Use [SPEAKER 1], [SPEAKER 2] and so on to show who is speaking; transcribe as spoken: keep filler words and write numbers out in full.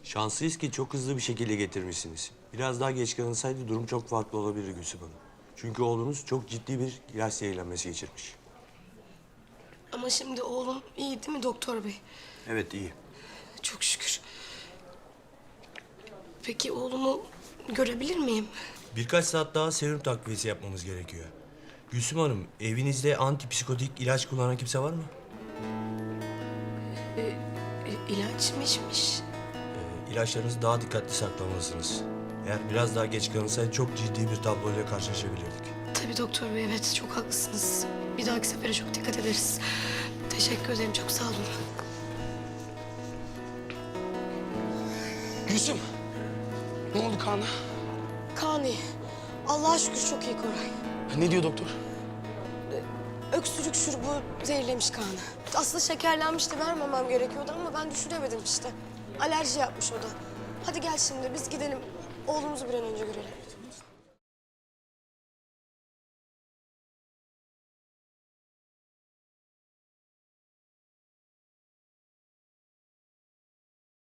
[SPEAKER 1] Şanslıyız ki çok hızlı bir şekilde getirmişsiniz. Biraz daha geç kalınsaydı durum çok farklı olabilirdi Gülsüm Hanım. Çünkü oğlunuz çok ciddi bir ilaç zehirlenmesi geçirmiş.
[SPEAKER 2] Ama şimdi oğlum iyi değil mi doktor bey?
[SPEAKER 1] Evet, iyi.
[SPEAKER 2] Çok şükür. Peki oğlumu görebilir miyim?
[SPEAKER 1] Birkaç saat daha serum takviyesi yapmamız gerekiyor. Gülsüm Hanım, evinizde antipsikotik ilaç kullanan kimse var mı?
[SPEAKER 2] E, ilaç mı içmiş?
[SPEAKER 1] Ee, ilaçlarınızı daha dikkatli saklamalısınız. Eğer biraz daha geç kalınsaydı çok ciddi bir tabloyla karşılaşabilirdik.
[SPEAKER 2] Tabii doktor bey, evet çok haklısınız. Bir dahaki sefere çok dikkat ederiz. Teşekkür ederim, çok sağ olun.
[SPEAKER 3] Gülsüm, ne oldu Kaan'a?
[SPEAKER 2] Kaan iyi. Allah'a şükür çok iyi Koray.
[SPEAKER 3] Ne diyor doktor?
[SPEAKER 2] Öksürük şurubu zehirlemiş Kaan'ı. Aslında şekerlenmişti, vermemem gerekiyordu ama ben düşüremedim işte. Alerji yapmış o da. Hadi gel şimdi biz gidelim. Oğlumuzu bir an önce görelim.